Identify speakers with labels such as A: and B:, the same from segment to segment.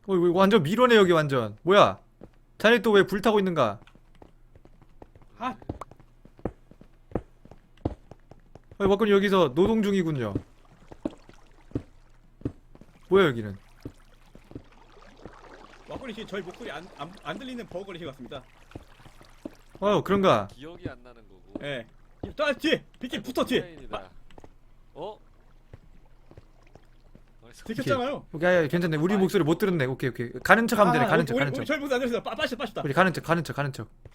A: 이거 완전 미로네 여기 완전. 뭐야? 자네 또 왜 불타고 있는가?
B: 아,
A: 막걸리 여기서 노동 중이군요. 뭐야 여기는?
B: 막걸리 씨 저희 목소리 안 들리는 버거 걸리신 것 같습니다.
A: 그런가?
C: 기억이 안 나는 거고.
B: 예. 또 뒤에 비키 붙어 뒤에.
C: 오프라인이다. 어?
B: 들켰잖아요.
A: 오케이, 괜찮네. 우리 목소리 못 들었네. 오케이. 가는 척 하면 되네. 가는 척, 가는 척.
B: 저희 목소리 안 들렸어요. 빠시다.
A: 우리 가는 척.
B: 가는 척.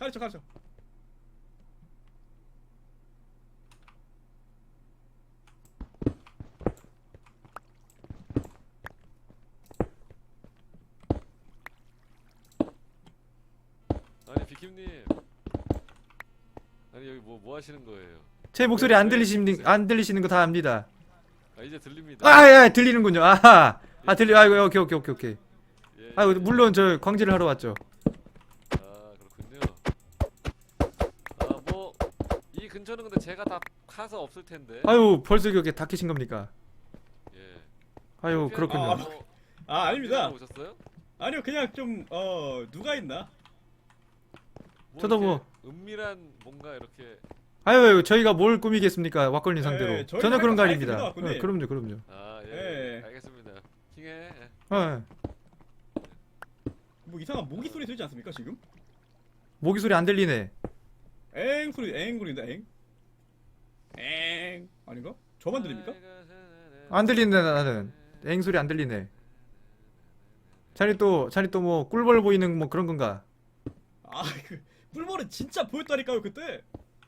C: 아니 비킴님. 아니 여기 뭐 하시는 거예요?
A: 제 목소리 안 들리시는 거 다 압니다.
C: 아 이제 들립니다.
A: 들리는군요. 아하. 들려. 아이고, 오케이.
C: 예,
A: 아이고,
C: 예.
A: 물론 저 광질을 하러 왔죠.
C: 아 그렇군요. 아 뭐 이 근처는 근데 제가 다 카서 없을 텐데.
A: 아유, 벌써 이렇게 다 캐신 겁니까?
C: 예.
A: 아유, 그렇군요.
B: 아닙니다.
C: 오셨어요?
B: 아니요 그냥 좀 누가 있나?
A: 저도
C: 이렇게
A: 뭐-
C: 은밀한 뭔가 이렇게.
A: 아유, 저희가 뭘 꾸미겠습니까? 왁걸린 상대로.
B: 예, 저희가
A: 전혀 그런 거
B: 할
A: 아닙니다.
B: 거 다 했습니다,
A: 그럼요.
C: 아
B: 예.
C: 알겠습니다. 킹해. 예.
B: 뭐 이상한 모기 소리 들리지 않습니까 지금?
A: 모기 소리 안 들리네.
B: 엥 소리인다 엥 아닌가? 저만 들립니까?
A: 안 들리네, 나는. 앵 소리 안 들리네. 자네 또 뭐 꿀벌 보이는 뭐 그런 건가?
B: 그 꿀벌은 진짜 보였다니까요 그때.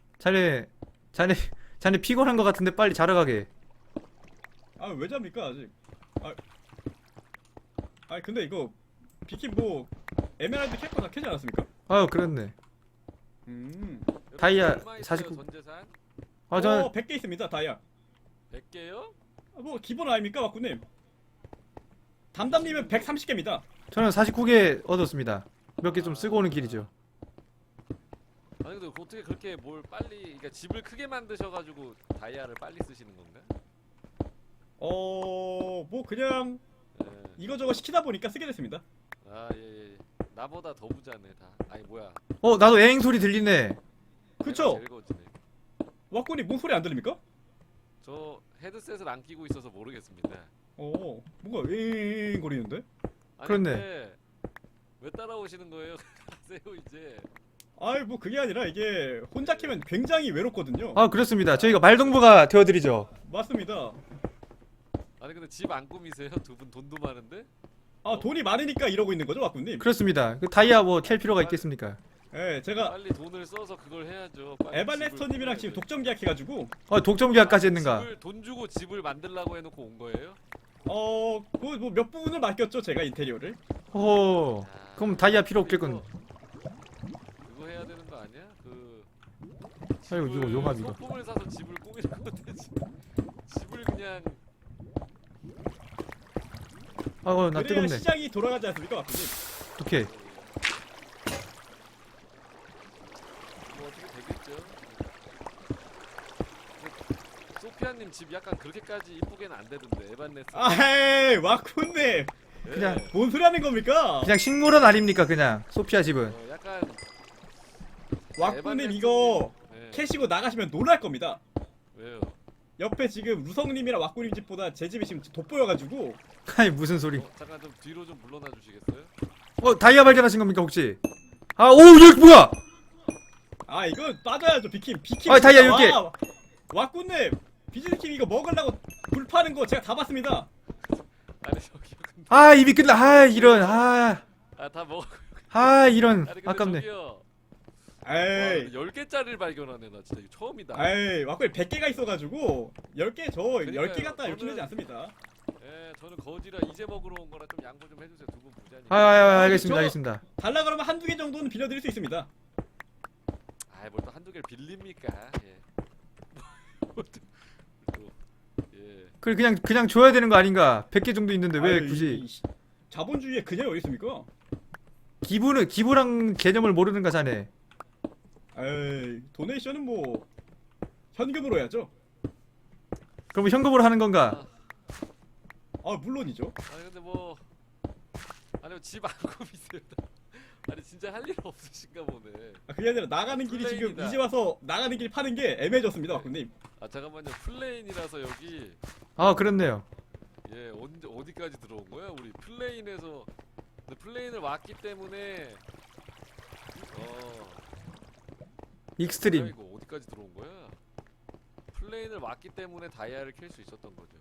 A: 자네 피곤한 거 같은데 빨리 자러 가게.
B: 왜 잡니까 아직? 근데 이거 비킨 뭐 에메랄드 캐릭터 다 캐지 않았습니까?
A: 아유, 그렇네. 다이아 49.
C: 전 재산
A: 저
B: 100개 있습니다 다이아.
C: 100개요?
B: 뭐 기본 아닙니까 와꾸님? 담담님은 130개입니다.
A: 저는 49개 얻었습니다. 몇 개 좀 쓰고 오는 길이죠.
C: 아니 근데 어떻게 그렇게 뭘 빨리 그러니까 집을 크게 만드셔가지고 다이아를 빨리 쓰시는 건가?
B: 뭐 그냥
C: 예.
B: 이거저거 시키다 보니까 쓰게 됐습니다.
C: 예. 나보다 더 부자네 다. 아니 뭐야?
A: 나도 앵 소리 들리네.
B: 그쵸?
C: 제일 거지네.
B: 와꾸님 뭔 소리 안 들립니까?
C: 저 헤드셋을 안 끼고 있어서 모르겠습니다.
B: 뭔가 윙 거리는데?
C: 아니,
A: 그렇네.
C: 근데 왜 따라오시는 거예요? 가세요 이제.
B: 뭐 그게 아니라 이게 혼자 캐면 굉장히 외롭거든요.
A: 그렇습니다. 저희가 말동무가 되어드리죠.
B: 맞습니다.
C: 아니 근데 집 안 꾸미세요? 두 분 돈도 많은데?
B: 돈이 많으니까 이러고 있는 거죠 와꾸님?
A: 그렇습니다. 그 다이아 뭐 캘 필요가 있겠습니까?
B: 제가
C: 빨리 돈을 써서 그걸 해야죠. 빨리
B: 에반레스터님이랑
C: 집을
B: 지금 독점 계약해가지고
A: 독점 계약까지 했는가?
C: 돈 주고 집을 만들라고 해놓고 온 거예요?
B: 그 뭐 몇 부분을 맡겼죠 제가 인테리어를.
A: 그럼 다이아 필요 없겠군.
C: 그거 해야 되는 거 아니야?
A: 아이고, 이거 용암 이거.
C: 소품을 사서 집을 꾸미는 건데 집을 그냥
A: 나
B: 그래야
A: 뜨겁네.
B: 시장이 돌아가지 않습니까 와꾸님?
A: 오케이.
C: 뭐 어떻게 되겠죠? 근데 소피아님 집 약간 그렇게까지 이쁘게는 안 되던데 에반네스.
B: 와꾸님
A: 그냥
B: 뭔 소리 하는 겁니까?
A: 그냥 식물원 아닙니까 그냥 소피아 집은.
C: 약간
B: 와꾸님 이거
C: 네.
B: 캐시고 나가시면 놀랄 겁니다.
C: 왜요?
B: 옆에 지금 루성님이랑 와꾸님 집보다 제 집이 지금 돋보여가지고.
A: 아니 무슨 소리?
C: 잠깐 좀 뒤로 좀 물러나 주시겠어요?
A: 다이아 발견하신 겁니까 혹시? 여기 뭐야?
B: 이거 빠져야죠 비킴.
A: 다이아 10개.
B: 와꾸님 비즈니킴 이거 먹으려고 불 파는 거 제가 다 봤습니다.
C: 아니 저기요 근데
A: 입이 끝나. 이런.
C: 다 먹어.
A: 이런.
C: 아니 근데
A: 아깝네.
C: 저기요.
B: 에이
C: 10개짜리를 발견하네 나 진짜 이거 처음이다.
B: 와꾸님 100개가 있어가지고 10개 저
C: 그러니까요.
B: 10개 갖다 이렇게
C: 저는-
B: 내지 않습니다.
C: 예, 저는 거지라 이제 먹으러 온 거라 좀 양보 좀 해주세요. 두 분 부자니까.
A: 알겠습니다.
B: 저-
A: 알겠습니다.
B: 달라 그러면 한두 개 정도는 빌려드릴 수 있습니다.
C: 아이 뭘또 한두 개를 빌립니까? 예. 또, 예.
A: 그냥 줘야 되는 거 아닌가? 100개 정도 있는데 왜
B: 아유,
A: 굳이
B: 자본주의에 그녀가 어디 있습니까?
A: 기부랑 개념을 모르는가 자네?
B: 도네이션은 뭐 현금으로 해야죠.
A: 그럼 현금으로 하는 건가?
B: 물론이죠.
C: 아니 근데 뭐 아니면 집 안 꾸미세요? 아니 진짜 할 일 없으신가 보네.
B: 아, 그게 아니라 나가는 길이 지금
C: 플레인이다.
B: 이제 와서 나가는 길 파는 게 애매해졌습니다, 박군님.
C: 아 잠깐만요. 플레인이라서 여기
A: 아 그렇네요.
C: 예 어디까지 들어온 거야? 우리 플레인에서 근데 플레인을 왔기 때문에
A: 익스트림.
C: 이거 어디까지 들어온 거야? 플레인을 왔기 때문에 다이아를 캘 수 있었던 거죠.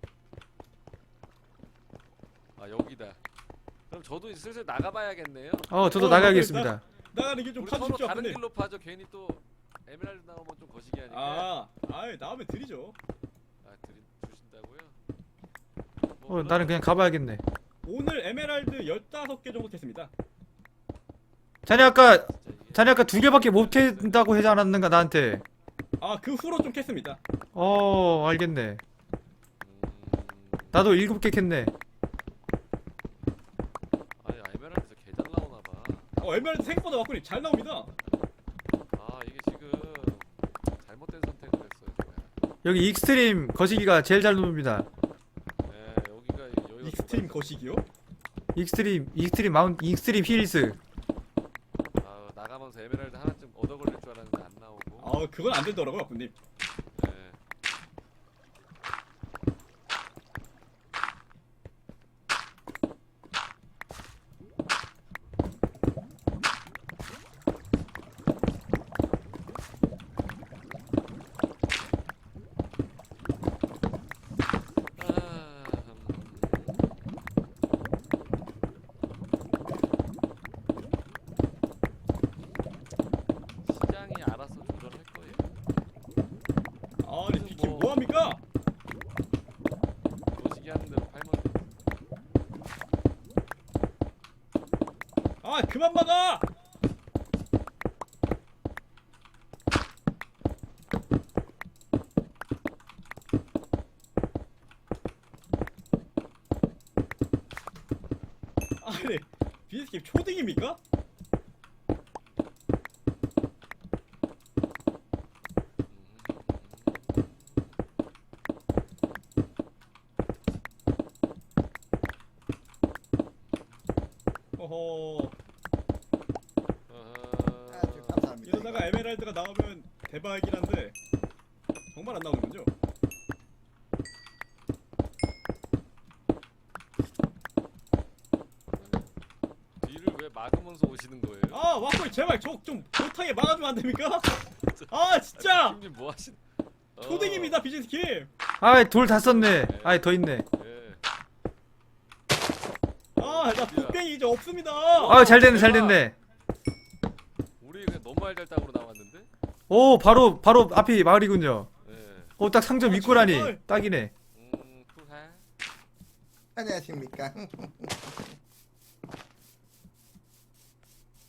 C: 아 여기다. 그럼 저도 이제 슬슬 나가봐야겠네요.
A: 저도 나가겠습니다.
B: 나가는 길 좀
C: 우리 서로
B: 파주십시오,
C: 다른
B: 박군님.
C: 길로 파죠. 괜히 또 에메랄드 나오면 좀 거시기 하니까.
B: 나오면 드리죠.
C: 주신다고요? 뭐
A: 나는 그냥 가봐야겠네.
B: 오늘 에메랄드 15개 정도 캤습니다.
A: 자네 아까
C: 진짜 이게-
A: 자네 아까 2개밖에 못 캔다고 하지 않았는가 나한테?
B: 그 후로 좀 캤습니다.
A: 알겠네.
C: 음,
A: 나도 7개 캤네.
C: 아니 에메랄드에서 개 잘 나오나 봐.
B: 에메랄드 생각보다 박군님 잘 나옵니다.
C: 아 이게 지금 잘못된 선택을 했어요. 제가.
A: 여기 익스트림 거시기가 제일 잘 놉니다.
C: 네 여기가
B: 익스트림 거시기요?
A: 익스트림 힐스.
C: 아 나가면서 에메랄드 하나쯤 얻어 걸릴 줄 알았는데 안 나오고.
B: 그건 안 되더라고요, 박군님.
C: 네. 시장이 알아서 조절할 거예요.
B: 아니, 비키 뭐합니까?
C: 거시기 하는 대로 팔면
B: 그만 막아! 아니, 비스킴 초딩입니까? 어허.
D: 아주 감사합니다.
B: 이러다가 에메랄드가 나오면 대박이긴 한데 정말 안 나오는군요.
C: 뒤를 왜 막으면서 오시는 거예요?
B: 와꾸이 제발 저 좀 못하게 막아주면 안 됩니까? 진짜
C: 님 뭐 하신?
B: 초딩입니다, 비즈스킴.
A: 돌 다 썼네. 더 있네.
C: 예.
B: 나 북뱅이 이제 없습니다.
A: 잘 됐네.
C: 우리 그냥 너무 알잘딱으로 나왔는데?
A: 바로 앞이 마을이군요.
C: 예.
A: 딱 상점 입구라니.
B: 정말.
A: 딱이네.
C: 쿨할.
D: 안녕하십니까.